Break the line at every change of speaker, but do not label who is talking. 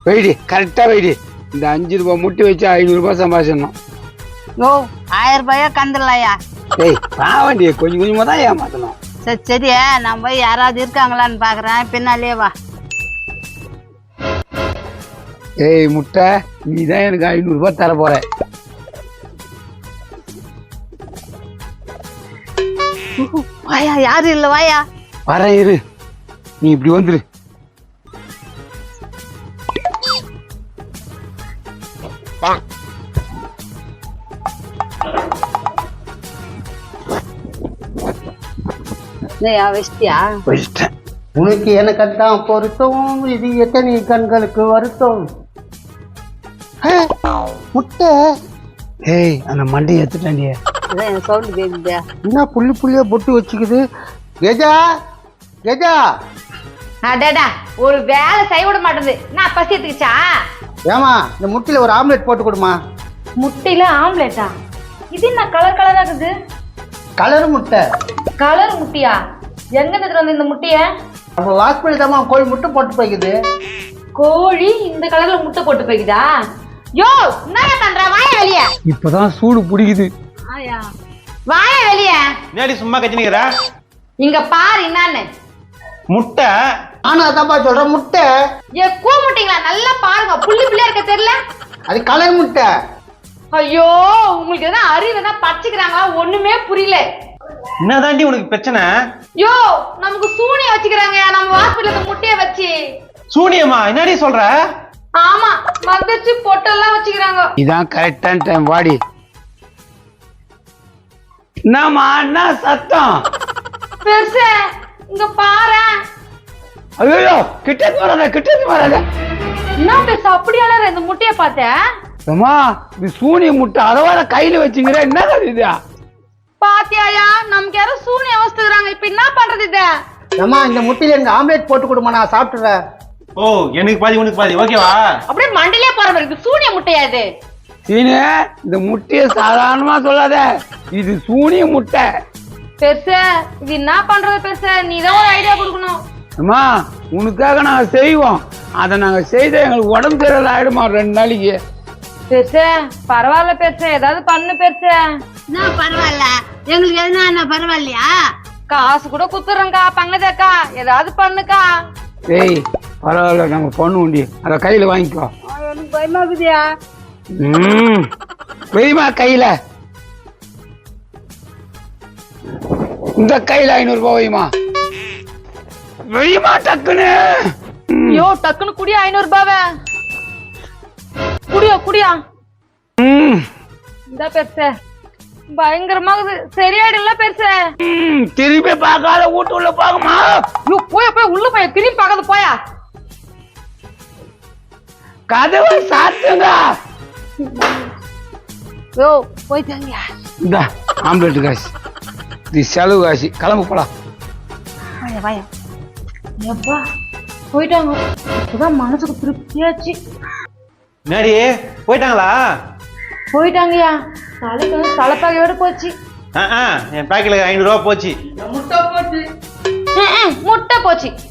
வெயிடி கரெக்டா வெயிடி. இந்த 5 ரூபாய் முட்டி வச்சு 500 ரூபாய் சம்பாதிச்சிடணும்.
யோ 1000 ரூபாயா கந்துடலாயா?
ஏய் பாவண்டி கொஞ்சம் கொஞ்சமா தான் ஏமாத்தணும்.
சரி சரி நான் போய் யாராவது இருக்காங்களான்னு பாக்குறேன், பின்னாலே வா.
ஏய் முட்டை, நீ தான் எனக்கு 500 ரூபாய் தர போற.
வாயா, யாரும் இல்ல வாயா.
வரேன் இரு, நீ இப்படி வந்துரு.
வச்சிட்டியா?
வச்சிட்டேன்.
உனக்கு எனக்கு தான் பொருத்தம், இது எத்தனை கண்களுக்கு வருத்தம். முட்டை.
ஏய் அந்த மண்டையை எடுத்துட்டாண்டிய.
அதான் சவுண்ட் கேக்குதா?
என்ன புள்ளி புள்ளியா பொட்டு வச்சுக்குது? கெஜா கெஜா.
அடடா, ஒரு வேலை செய்ய விட மாட்டேது. நான் பசி எடுத்துக்கிச்சா?
ஏமா இந்த முட்டையில ஒரு ஆம்லெட் போட்டு கொடுமா.
முட்டையில ஆம்லெட்டா? இது என்ன கலர் கலரா இருக்குது?
கலர் முட்டை.
கலர் முட்டையா? எங்க எடுத்துட்டு வந்து இந்த முட்டைய?
நம்ம வாசப்படி தான் கோழி முட்டை போட்டு போய்க்குது.
கோழி இந்த கலர்ல முட்டை போட்டு போய்க்குதா? யோ என்ன பண்ற? வாய வெளிய.
இப்பதான் சூடு பிடிக்குது.
ஆயா
வாய வெளிய.
நேடி சும்மா கத்தினிக்கிற?
இங்க பாரு என்னன்னு.
முட்டை.
ஆனா அதான்ப்பா சொல்றேன் முட்டை.
ஏ கூ முட்டைங்களா? நல்லா பாருங்க, புள்ளி புள்ளியா இருக்க தெரியல.
அது கலர் முட்டை.
ஐயோ உங்களுக்கு எதனா அறிவு எதனா பச்சிக்கிறாங்களா? ஒண்ணுமே புரியல.
என்னதாண்டி உனக்கு பிரச்சனை?
யோ நமக்கு சூனியம் வச்சுக்கிறாங்க நம்ம ஹாஸ்பிடல்ல முட்டைய வச்சு.
சூனியமா? என்னடி சொல்ற?
ஆமா, மந்தச்சு பொட்டெல்லாம் வச்சுக்கிறாங்க.
இதான் கரெக்டான டைம். வாடி. என்னம்மா என்ன சத்தம்?
பெருசு இங்க பாரு.
ஐயோ கிட்ட வராத, கிட்ட வராத.
என்ன பெருசு அப்படியால இந்த முட்டைய பார்த்தேன்?
அம்மா இது சூனிய முட்டை, அதவாத கையில வச்சுங்கிற. என்ன இது?
பாத்தியாயா, நமக்கு யாரும் சூனியம் வச்சுக்கிறாங்க. இப்ப என்ன பண்றது இத?
ஏமா இந்த முட்டையில எனக்கு ஆம்லெட் போட்டு கொடுமா, நான் சாப்பிட்டுறேன்.
ஓ எனக்கு பாதி உனக்கு பாதி, ஓகேவா?
அப்படியே மண்டிலே போற மாதிரி இருக்கு. சூனிய முட்டையா இது?
சீனு இந்த முட்டைய சாதாரணமா சொல்லாத, இது சூனிய முட்டை.
பெருசு இது என்ன பண்றது? பெருசு நீதான் ஒரு ஐடியா கொடுக்கணும்.
அம்மா உனக்காக நாங்க செய்வோம், அதை நாங்க செய்த எங்களுக்கு உடம்பு சரியில்லை ஆயிடுமா 2 நாளைக்கு.
பெருசு பரவாயில்ல பெருசு, ஏதாவது பண்ணு பெருசு.
என்ன பரவாயில்ல, எங்களுக்கு எதுனா என்ன பரவாயில்லையா?
காசு கூட குத்துறேங்க்கா, பங்கஜக்கா ஏதாவது பண்ணுக்கா.
ஏய் பரவாயில்ல, நாங்க பண்ணுவோண்டி, அதை கையில வாங்கிக்கோ.
எனக்கு பயமாக்குதியா?
வெய்மா கையில, இந்த கையில 500 ரூபாய் வைமா. வெய்மா டக்குன்னு.
ஐயோ டக்குன்னு குடியா 500 ரூபாவை. குடியா குடியா. இந்த பெருசு பயங்கரமாகுது. சரியாயிடுல பெருசு?
திரும்பி பார்க்காத, வீட்டு உள்ள பாக்குமா.
போய் போய் உள்ள போய் திரும்பி பார்க்காத போயா.
கதவை சாத்துங்க.
யோ போயிட்டாங்க.
இந்த ஆம்லெட் காசு, இது செலவு காசு. கிளம்பு போலாம்.
வாயா வாயா. எப்பா போயிட்டாங்க. இப்பதான் மனசுக்கு திருப்தியாச்சு.
நேடி போயிட்டாங்களா?
போயிட்டாங்கயா. தலைக்கு வந்து தலைப்பாகையோட போச்சு.
என் பேக்கெட்ல 500 ரூபாய் போச்சு.
முட்டை போட்டு
முட்டை போச்சு.